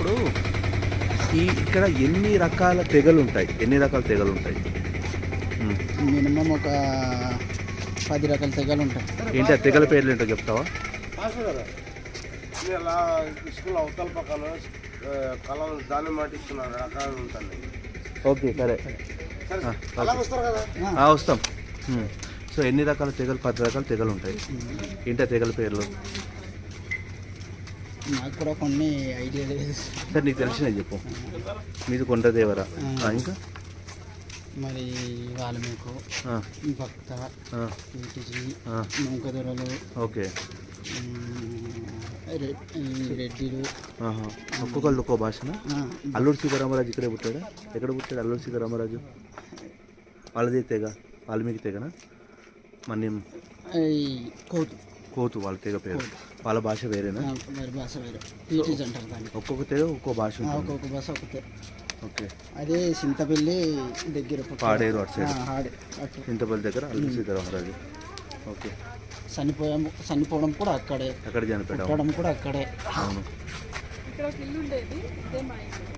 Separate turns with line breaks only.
ఇప్పుడు ఇక్కడ ఎన్ని రకాల తెగలు ఉంటాయి?
మినిమం ఒక 10 రకాల తెగలు ఉంటాయి.
ఏంటి ఆ తెగల పేర్లు ఏంటో చెప్తావా?
స్కూల్ అవతల పక్కన కళలు దాన్ని మాటిస్తున్నారు రకాలు ఉంటాయి.
ఓకే సరే వస్తాం. సో ఎన్ని రకాల తెగలు? 10 రకాల తెగలు ఉంటాయి. ఏంటి ఆ తెగల పేర్లు?
నాకు కూడా కొన్ని ఐడియా లేదు
సార్. నీకు తెలిసినవి చెప్పు. మీది కొండదేవర, ఇంకా
మరి వాల్మీకు, భక్త, నౌకదొరలు,
ఓకే
రెడ్డిలు.
ఒక్కొక్కళ్ళు ఒక్కో భాషన. అల్లూరు సీతారామరాజు ఇక్కడే పుట్టాడా? ఎక్కడ పుట్టాడు అల్లూరు సీతారామరాజు? వాళ్ళది తెగ వాల్మీకి తెగనా? మన కోతు వాళ్ళ తెగ పేరు. వాళ్ళ భాష వేరేనా?
భాష వేరే, పీటీజ్ అంటారు దాన్ని.
ఒక్కొక్క తెగ ఒక్కో భాష,
ఒక్కొక్క భాష ఒకటే.
ఓకే.
అదే చింతపల్లి దగ్గర
పాడేరు అటు సైడ్, చింతపల్లి దగ్గర అల్లూరు సీతారామరాజు. ఓకే.
చనిపోవడం కూడా అక్కడే,
అక్కడ చనిపోవడం
కూడా అక్కడే.
అవును.